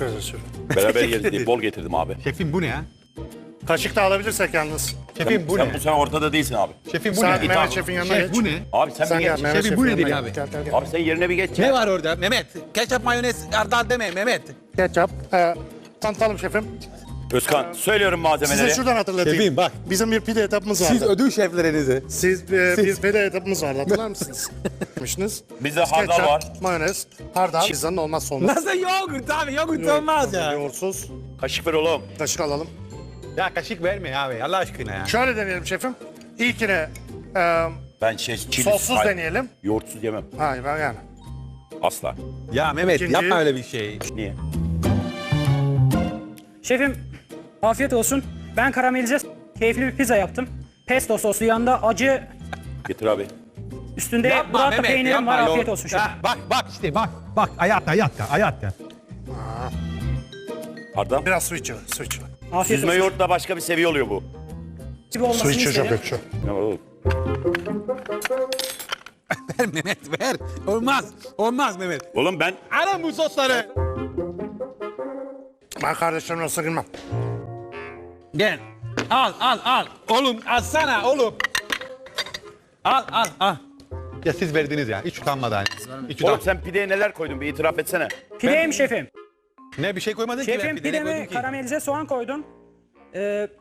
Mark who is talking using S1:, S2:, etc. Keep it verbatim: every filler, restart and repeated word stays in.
S1: Teşekkür ederiz şefim.
S2: Beraber yeriz diye bol getirdim abi.
S3: Şefim bu ne ya?
S1: Kaşık da alabilirsek yalnız.
S3: Şefim bu
S2: sen
S3: ne?
S2: bu sen ortada değilsin abi.
S3: Şefim bu
S1: Sen
S3: ne?
S1: Mehmet
S2: tamam.
S1: Şef'in yanına
S3: Şef
S1: geç.
S3: bu ne?
S2: Abi sen,
S1: Sen
S2: bir
S1: gel
S2: geç.
S1: Mehmet
S3: Şefim, bu
S1: Şef'in
S3: nedir
S1: yanına
S3: abi?
S1: Gel, gel, gel.
S2: Abi sen yerine bir geç
S3: Ne
S2: ya.
S3: var orada Mehmet? Ketçap, mayonez, hardal deme Mehmet.
S1: Ketçap. Ee, tanıtalım şefim.
S2: Özkan söylüyorum malzemeleri.
S1: Size şuradan hatırlatayım.
S3: Şefim bak.
S1: Bizim bir pide etapımız vardı.
S3: Siz ödül şeflerinizi.
S1: Siz, e, bir pide etapımız vardı hatırlar mısınız? Yapmışsınız.
S2: Bizde hardal
S1: Ketçap,
S2: var.
S1: mayonez, hardal. Pizzanın olmazsa olmaz.
S3: Nasıl yoğurt abi? Yoğurt olmaz ya.
S1: Yoğurtsuz.
S2: Kaşık ver oğlum.
S1: Kaşık alalım.
S3: Ya kaşık verme abi Allah aşkına ya.
S1: Şöyle deneyelim şefim. İlkine e,
S2: Ben şey çili
S1: sossuz
S2: Hayır,
S1: deneyelim.
S2: yoğurtsuz yemem.
S1: Hayır ben yani.
S2: Asla.
S3: Ya Mehmet
S1: İkinci-
S3: yapma öyle bir şey.
S2: Niye?
S4: Şefim, afiyet olsun. Ben karamelize keyifli bir pizza yaptım. Pesto soslu, yanında acı,
S2: Getir abi.
S4: üstünde burrata peynirim var. Afiyet
S3: yoğurt.
S4: olsun şefim.
S3: Ya, bak bak işte bak. Bak hayatta hayatta hayatta.
S2: Hardal.
S1: Biraz su içiyor. Su içiyor.
S4: Afiyet
S2: Süzme
S4: olsun.
S2: yoğurtla başka bir seviye oluyor bu.
S4: Gibi olmasını isterim.
S2: Ne var oğlum?
S3: Ver Mehmet ver. Olmaz. Olmaz Mehmet.
S2: Oğlum ben
S3: Alın bu sosları.
S1: Ben kardeşlerimle nasıl girmem.
S3: Gel. Al al al. Oğlum alsana oğlum. Al al al. Ya siz verdiniz ya. Hiç utanmadan. Hiç
S2: Oğlum
S3: utan.
S2: sen pideye neler koydun bir itiraf etsene.
S4: Pideyim şefim.
S3: Ne bir şey koymadın ki.
S4: Şefim
S3: ben pideye ne
S4: pideme
S3: koydum ki?
S4: karamelize soğan koydum. Ee,